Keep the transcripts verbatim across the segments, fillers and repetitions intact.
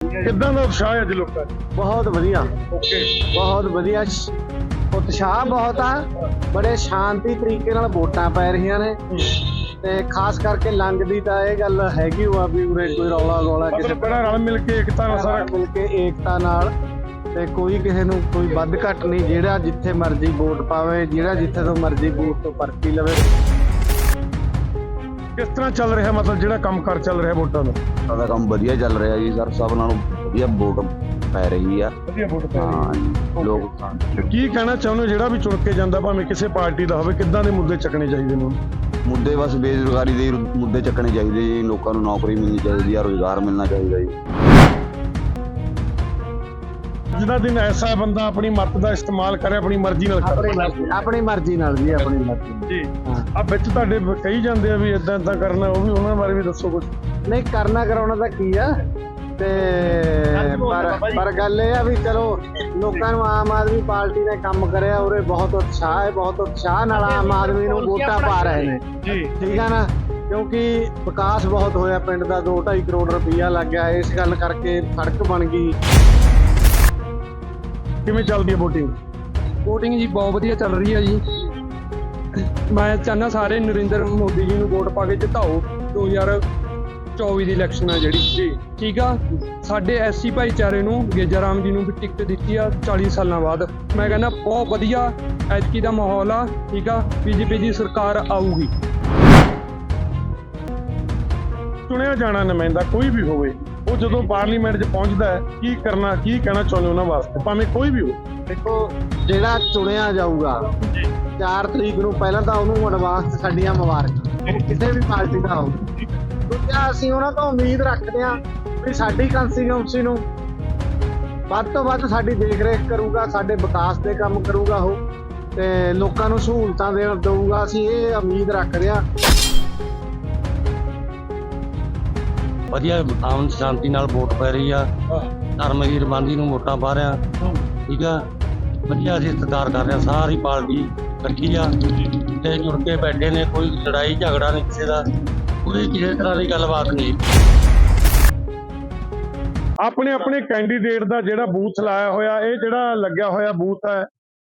ਕਿੱਦਾਂ ਦਾ ਉਤਸ਼ਾਹ ਹੈ ਅੱਜ ਲੋਕਾਂ 'ਚ? ਬਹੁਤ ਵਧੀਆ ਓਕੇ, ਬਹੁਤ ਵਧੀਆ ਸ਼- ਉਤਸ਼ਾਹ ਬਹੁਤ ਆ। ਬੜੇ ਸ਼ਾਂਤੀ ਤਰੀਕੇ ਨਾਲ ਵੋਟਾਂ ਪੈ ਰਹੀਆਂ ਨੇ ਤੇ ਖਾਸ ਕਰਕੇ ਲੰਘ ਦੀ ਤਾਂ ਇਹ ਗੱਲ ਹੈਗੀ ਓ ਆ ਵੀ ਉਰੇ ਕੋਈ ਰੌਲਾ ਗੋਲਾ ਕਿਸੇ ਮਤਲਬ ਬੜਾ ਰਲ ਮਿਲ ਕੇ ਏਕਤਾ ਨਾਲ ਸਾਰਾ ਮਿਲ ਕੇ ਏਕਤਾ ਨਾਲ ਤੇ ਕੋਈ ਕਿਸੇ ਨੂੰ ਕੋਈ ਵੱਧ ਘੱਟ ਨਹੀਂ। ਜਿਹੜਾ ਜਿੱਥੇ ਮਰਜ਼ੀ ਵੋਟ ਪਾਵੇ, ਜਿਹੜਾ ਜਿੱਥੇ ਤੋਂ ਮਰਜ਼ੀ ਬੂਥ ਤੋਂ ਪਰਚੀ ਲਵੇ। ਕਿਸ ਤਰ੍ਹਾਂ ਚੱਲ ਰਿਹਾ, ਮਤਲਬ ਜਿਹੜਾ ਕੰਮ ਕਾਰ ਚੱਲ ਰਿਹਾ ਵੋਟਾਂ ਦਾ? ਸਾਡਾ ਕੰਮ ਵਧੀਆ ਚੱਲ ਰਿਹਾ ਜੀ ਸਰ, ਸਭ ਨਾਲੋਂ ਵਧੀਆ ਵੋਟ ਪੈ ਰਹੀ ਆ। ਵਧੀਆ ਵੋਟ ਪੈ ਰਹੀ ਹਾਂ ਜੀ, ਲੋਕ ਹੈ। ਕੀ ਕਹਿਣਾ ਚਾਹੁੰਦੇ ਹੋ ਜਿਹੜਾ ਵੀ ਚੁਣ ਕੇ ਜਾਂਦਾ, ਭਾਵੇਂ ਕਿਸੇ ਪਾਰਟੀ ਦਾ ਹੋਵੇ, ਕਿੱਦਾਂ ਦੇ ਮੁੱਦੇ ਚੱਕਣੇ ਚਾਹੀਦੇ ਨੇ? ਮੁੱਦੇ ਬਸ ਬੇਰੁਜ਼ਗਾਰੀ ਦੇ ਮੁੱਦੇ ਚੱਕਣੇ ਚਾਹੀਦੇ ਜੀ, ਲੋਕਾਂ ਨੂੰ ਨੌਕਰੀ ਮਿਲਣੀ ਚਾਹੀਦੀ ਆ, ਰੁਜ਼ਗਾਰ ਮਿਲਣਾ ਚਾਹੀਦਾ ਜੀ। ਅੱਜ ਦਾ ਦਿਨ ਐਸਾ ਹੈ, ਬੰਦਾ ਆਪਣੀ ਮੱਤ ਦਾ ਇਸਤੇਮਾਲ ਕਰੇ, ਆਪਣੀ ਮਰਜ਼ੀ ਨਾਲ ਆਪਣੀ ਕਰੇ। ਮਰਜ਼ੀ ਆਪਣੀ ਮਰਜ਼ੀ ਨਾਲ ਜੀ, ਆਪਣੀ ਮਰਜ਼ੀ ਨਾਲ। ਜੀ, ਹਾਂ। ਆ ਵਿੱਚ ਤੁਹਾਡੇ ਕਹੀ ਜਾਂਦੇ ਆ ਵੀ ਇਦਾਂ ਇਦਾਂ ਕਰਨਾ, ਉਹ ਵੀ ਉਹਨਾਂ ਬਾਰੇ ਵੀ ਦੱਸੋ ਕੁਝ। ਨਹੀਂ ਕਰਨਾ ਕਰਾਉਣਾ ਤਾਂ ਕੀ ਆ ਤੇ ਪਰ ਪਰ ਗੱਲ ਇਹ ਆ ਵੀ ਚਲੋ ਲੋਕਾਂ ਨੂੰ ਆਮ ਆਦਮੀ ਪਾਰਟੀ ਨੇ ਕੰਮ ਕਰਿਆ, ਉਰੇ ਬਹੁਤ ਉਤਸ਼ਾਹ ਹੈ, ਬਹੁਤ ਉਤਸ਼ਾਹ ਨਾਲ ਆਮ ਆਦਮੀ ਨੂੰ ਵੋਟਾਂ ਪਾ ਰਹੇ ਨੇ। ਜੀ, ਠੀਕ ਆ ਨਾ, ਕਿਉਂਕਿ ਵਿਕਾਸ ਬਹੁਤ ਹੋਇਆ ਪਿੰਡ ਦਾ, ਦੋ ਢਾਈ ਕਰੋੜ ਰੁਪਈਆ ਲੱਗ ਗਿਆ। ਇਸ ਗੱਲ ਕਰਕੇ ਸੜਕ ਬਣ ਗਈ। ਕਿਵੇਂ ਚੱਲਦੀ ਹੈ ਵੋਟਿੰਗ? ਵੋਟਿੰਗ ਜੀ ਬਹੁਤ ਵਧੀਆ ਚੱਲ ਰਹੀ ਹੈ ਜੀ। ਮੈਂ ਚਾਹੁੰਦਾ ਸਾਰੇ ਨਰਿੰਦਰ ਮੋਦੀ ਜੀ ਨੂੰ ਵੋਟ ਪਾ ਕੇ ਜਿਤਾਓ। ਦੋ ਹਜ਼ਾਰ ਚੌਵੀ ਦੀ ਇਲੈਕਸ਼ਨ ਆ ਜਿਹੜੀ ਜੀ, ਠੀਕ ਆ। ਸਾਡੇ ਐਸਸੀ ਭਾਈਚਾਰੇ ਨੂੰ ਗੇਜਾ ਰਾਮ ਜੀ ਨੂੰ ਵੀ ਟਿਕਟ ਦਿੱਤੀ ਆ ਚਾਲੀ ਸਾਲਾਂ ਬਾਅਦ। ਮੈਂ ਕਹਿੰਦਾ ਬਹੁਤ ਵਧੀਆ ਐਤਕੀ ਦਾ ਮਾਹੌਲ ਆ, ਠੀਕ ਆ। ਬੀਜੇਪੀ ਦੀ ਸਰਕਾਰ ਆਊਗੀ। ਚੁਣਿਆ ਜਾਣਾ ਨੁਮਾਇੰਦਾ ਕੋਈ ਵੀ ਹੋਵੇ, ਉਹ ਜਦੋਂ ਪਾਰਲੀਮੈਂਟ 'ਚ ਪਹੁੰਚਦਾ ਹੈ, ਕੀ ਕਰਨਾ, ਕੀ ਕਹਿਣਾ ਚਾਹੁੰਦੇ ਉਹਨਾਂ ਵਾਸਤੇ, ਭਾਵੇਂ ਕੋਈ ਵੀ ਹੋ? ਦੇਖੋ ਜਿਹੜਾ ਚੁਣਿਆ ਜਾਊਗਾ ਚਾਰ ਤਰੀਕ ਨੂੰ, ਪਹਿਲਾਂ ਤਾਂ ਉਹਨੂੰ ਐਡਵਾਂਸ ਸਾਡੀਆਂ ਮੁਬਾਰਕਾਂ, ਉਹ ਕਿਸੇ ਵੀ ਪਾਰਟੀ ਦਾ ਹੋਊ। ਦੂਜਾ ਅਸੀਂ ਉਹਨਾਂ ਤੋਂ ਉਮੀਦ ਰੱਖਦੇ ਹਾਂ ਵੀ ਸਾਡੀ ਕੰਸਟੀਟਿਊਂਸੀ ਨੂੰ ਵੱਧ ਤੋਂ ਵੱਧ ਸਾਡੀ ਦੇਖ ਰੇਖ ਕਰੂਗਾ, ਸਾਡੇ ਵਿਕਾਸ ਦੇ ਕੰਮ ਕਰੂਗਾ ਉਹ, ਤੇ ਲੋਕਾਂ ਨੂੰ ਸਹੂਲਤਾਂ ਦੇ ਦਊਗਾ। ਅਸੀਂ ਇਹ ਉਮੀਦ ਰੱਖਦੇ ਹਾਂ। ਵਧੀਆ ਆਮ ਸ਼ਾਂਤੀ ਨਾਲ ਵੋਟ ਪੈ ਰਹੀ ਆ। ਧਰਮਵੀਰ ਬਾਂਦੀ ਨੂੰ ਵੋਟਾਂ ਪਾ ਰਿਹਾ, ਠੀਕ ਆ। ਵਧੀਆ ਅਸੀਂ ਸਤਿਕਾਰ ਕਰ ਰਹੇ, ਸਾਰੀ ਪਾਰਟੀ ਇਕੱਠੀ ਆ ਤੇ ਜੁੜ ਕੇ ਬੈਠੇ ਨੇ। ਕੋਈ ਲੜਾਈ ਝਗੜਾ ਨਹੀਂ ਕਿਸੇ ਦਾ, ਕੋਈ ਕਿਸੇ ਤਰ੍ਹਾਂ ਦੀ ਗੱਲਬਾਤ ਨਹੀਂ। ਆਪਣੇ ਆਪਣੇ ਕੈਂਡੀਡੇਟ ਦਾ ਜਿਹੜਾ ਬੂਥ ਲਾਇਆ ਹੋਇਆ, ਇਹ ਜਿਹੜਾ ਲੱਗਿਆ ਹੋਇਆ ਬੂਥ ਹੈ,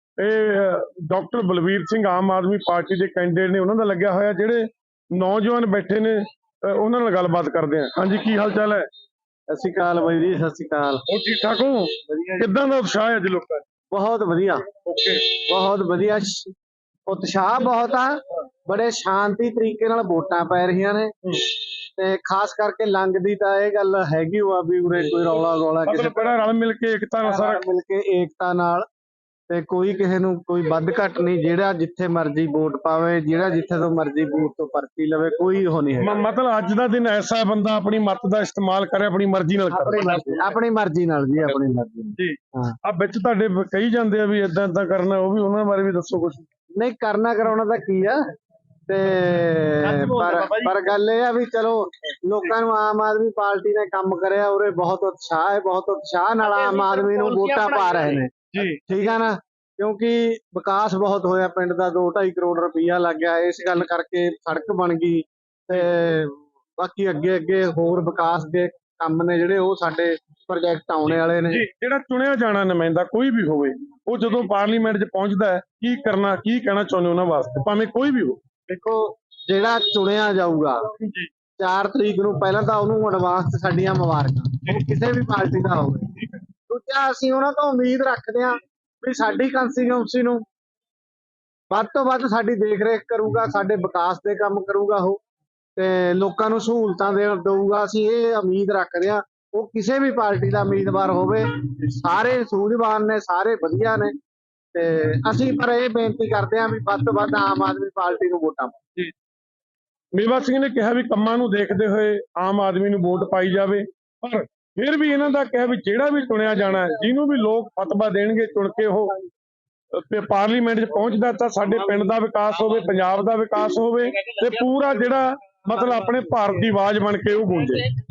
ਇਹ ਡਾਕਟਰ ਬਲਵੀਰ ਸਿੰਘ ਆਮ ਆਦਮੀ ਪਾਰਟੀ ਦੇ ਕੈਂਡੀਡੇਟ ਨੇ, ਉਹਨਾਂ ਦਾ ਲੱਗਿਆ ਹੋਇਆ। ਜਿਹੜੇ ਨੌਜਵਾਨ ਬੈਠੇ ਨੇ ਉਹਨਾਂ ਨਾਲ ਗੱਲਬਾਤ ਕਰਦੇ ਆ। ਹਾਂਜੀ, ਕੀ ਹਾਲ ਚਾਲ ਹੈ? ਸਤਿ ਸ਼੍ਰੀ ਅਕਾਲ ਬਾਈ ਜੀ, ਸਤਿ ਸ਼੍ਰੀ ਅਕਾਲ। ਉਹ ਠੀਕ ਠਾਕ ਹੋ? ਕਿੱਦਾਂ ਦਾ ਉਤਸ਼ਾਹ ਹੈ ਅੱਜ ਲੋਕਾਂ 'ਚ? ਬਹੁਤ ਵਧੀਆ ਓਕੇ, ਬਹੁਤ ਵਧੀਆ ਸ਼- ਉਤਸ਼ਾਹ ਬਹੁਤ ਆ। ਬੜੇ ਸ਼ਾਂਤੀ ਤਰੀਕੇ ਨਾਲ ਵੋਟਾਂ ਪੈ ਰਹੀਆਂ ਨੇ ਤੇ ਖਾਸ ਕਰਕੇ ਲੰਘ ਦੀ ਤਾਂ ਇਹ ਗੱਲ ਹੈਗੀ ਓ ਆ ਵੀ ਉਰੇ ਕੋਈ ਰੌਲਾ ਗੋਲਾ ਕਿਸੇ ਮਤਲਬ ਬੜਾ ਰਲ ਮਿਲ ਕੇ ਏਕਤਾ ਨਾਲ ਸਾਰਾ ਮਿਲ ਕੇ ਏਕਤਾ ਨਾਲ ਤੇ ਕੋਈ ਕਿਸੇ ਨੂੰ ਕੋਈ ਵੱਧ ਘੱਟ ਨਹੀਂ। ਜਿਹੜਾ ਜਿੱਥੇ ਮਰਜ਼ੀ ਵੋਟ ਪਾਵੇ, ਜਿਹੜਾ ਜਿੱਥੇ ਤੋਂ ਮਰਜ਼ੀ ਬੂਥ ਤੋਂ ਪਰਚੀ ਲਵੇ, ਕੋਈ ਉਹ ਨਹੀਂ ਹੈ। ਮ- ਮਤਲਬ ਅੱਜ ਦਾ ਦਿਨ ਐਸਾ ਹੈ, ਬੰਦਾ ਆਪਣੀ ਮੱਤ ਦਾ ਇਸਤੇਮਾਲ ਕਰੇ, ਆਪਣੀ ਮਰਜ਼ੀ ਨਾਲ ਆਪਣੀ ਕਰੇ। ਮਰਜ਼ੀ ਆਪਣੀ ਮਰਜ਼ੀ ਨਾਲ ਜੀ, ਆਪਣੀ ਮਰਜ਼ੀ ਨਾਲ। ਜੀ, ਹਾਂ। ਆ ਵਿੱਚ ਤੁਹਾਡੇ ਕਹੀ ਜਾਂਦੇ ਆ ਵੀ ਇਦਾਂ ਇਦਾਂ ਕਰਨਾ, ਉਹ ਵੀ ਉਹਨਾਂ ਬਾਰੇ ਵੀ ਦੱਸੋ ਕੁਝ। ਨਹੀਂ ਕਰਨਾ ਕਰਾਉਣਾ ਤਾਂ ਕੀ ਆ ਤੇ ਪਰ ਪਰ ਗੱਲ ਇਹ ਆ ਵੀ ਚਲੋ ਲੋਕਾਂ ਨੂੰ ਆਮ ਆਦਮੀ ਪਾਰਟੀ ਨੇ ਕੰਮ ਕਰਿਆ, ਉਰੇ ਬਹੁਤ ਉਤਸ਼ਾਹ ਹੈ, ਬਹੁਤ ਉਤਸ਼ਾਹ ਨਾਲ ਆਮ ਆਦਮੀ ਨੂੰ ਵੋਟਾਂ ਪਾ ਰਹੇ ਨੇ। ਜੀ, ਠੀਕ ਆ ਨਾ, ਕਿਉਂਕਿ ਵਿਕਾਸ ਬਹੁਤ ਹੋਇਆ ਪਿੰਡ ਦਾ, ਦੋ ਢਾਈ ਕਰੋੜ ਰੁਪਈਆ ਲੱਗ ਗਿਆ। ਇਸ ਗੱਲ ਕਰਕੇ ਸੜਕ ਬਣ ਗਈ ਤੇ ਬਾਕੀ ਅੱਗੇ ਅੱਗੇ ਹੋਰ ਵਿਕਾਸ ਦੇ ਕੰਮ ਨੇ ਜਿਹੜੇ ਉਹ ਸਾਡੇ ਪ੍ਰੋਜੈਕਟ ਆਉਣੇ ਵਾਲੇ ਨੇ। ਜੀ, ਜਿਹੜਾ ਚੁਣਿਆ ਜਾਣਾ ਨੁਮਾਇੰਦਾ ਕੋਈ ਵੀ ਹੋਵੇ, ਉਹ ਜਦੋਂ ਪਾਰਲੀਮੈਂਟ 'ਚ ਪਹੁੰਚਦਾ ਹੈ, ਕੀ ਕਰਨਾ, ਕੀ ਕਹਿਣਾ ਚਾਹੁੰਦੇ ਉਹਨਾਂ ਵਾਸਤੇ, ਭਾਵੇਂ ਕੋਈ ਵੀ ਹੋ? ਦੇਖੋ ਜਿਹੜਾ ਚੁਣਿਆ ਜਾਊਗਾ ਚਾਰ ਤਰੀਕ ਨੂੰ, ਪਹਿਲਾਂ ਤਾਂ ਉਹਨੂੰ ਐਡਵਾਂਸ ਸਾਡੀਆਂ ਮੁਬਾਰਕਾਂ, ਉਹ ਕਿਸੇ ਵੀ ਪਾਰਟੀ ਦਾ ਹੋਵੇ। ਦੂਜਾ ਅਸੀਂ ਉਹਨਾਂ ਤੋਂ ਉਮੀਦ ਰੱਖਦੇ ਹਾਂ ਵੀ ਸਾਡੀ ਕੰਸਟੀਟਿਊਂਸੀ ਨੂੰ ਵੱਧ ਤੋਂ ਵੱਧ ਸਾਡੀ ਦੇਖ ਰੇਖ ਕਰੂਗਾ, ਸਾਡੇ ਵਿਕਾਸ ਦੇ ਕੰਮ ਕਰੂਗਾ ਉਹ, ਤੇ ਲੋਕਾਂ ਨੂੰ ਸਹੂਲਤਾਂ ਦੇ ਦਊਗਾ। ਅਸੀਂ ਇਹ ਉਮੀਦ ਰੱਖਦੇ ਹਾਂ। ਉਹ ਕਿਸੇ ਵੀ ਪਾਰਟੀ ਦਾ ਉਮੀਦਵਾਰ ਹੋਵੇ, ਸਾਰੇ ਸੂਝਵਾਨ ਨੇ, ਸਾਰੇ ਵਧੀਆ ਨੇ ਤੇ ਅਸੀਂ ਪਰ ਇਹ ਬੇਨਤੀ ਕਰਦੇ ਹਾਂ ਵੀ ਵੱਧ ਤੋਂ ਵੱਧ ਆਮ ਆਦਮੀ ਪਾਰਟੀ ਨੂੰ ਵੋਟਾਂ ਪਾਓ। ਮੇਵਾ ਸਿੰਘ ਨੇ ਕਿਹਾ ਵੀ ਕੰਮਾਂ ਨੂੰ ਦੇਖਦੇ ਹੋਏ ਆਮ ਆਦਮੀ ਨੂੰ ਵੋਟ ਪਾਈ ਜਾਵੇ, ਪਰ ਫਿਰ ਵੀ ਇਹਨਾਂ ਦਾ ਕਿਹਾ ਵੀ ਜਿਹੜਾ ਵੀ ਚੁਣਿਆ ਜਾਣਾ ਹੈ, ਜਿਹਨੂੰ ਵੀ ਲੋਕ ਫਤਵਾ ਦੇਣਗੇ ਚੁਣ ਕੇ ਉਹ ਤੇ ਪਾਰਲੀਮੈਂਟ 'ਚ ਪਹੁੰਚਦਾ, ਤਾਂ ਸਾਡੇ ਪਿੰਡ ਦਾ ਵਿਕਾਸ ਹੋਵੇ, ਪੰਜਾਬ ਦਾ ਵਿਕਾਸ ਹੋਵੇ ਤੇ ਪੂਰਾ ਜਿਹੜਾ ਮਤਲਬ ਆਪਣੇ ਭਾਰਤ ਦੀ ਆਵਾਜ਼ ਬਣ ਕੇ ਉਹ ਗੂੰਜੇ।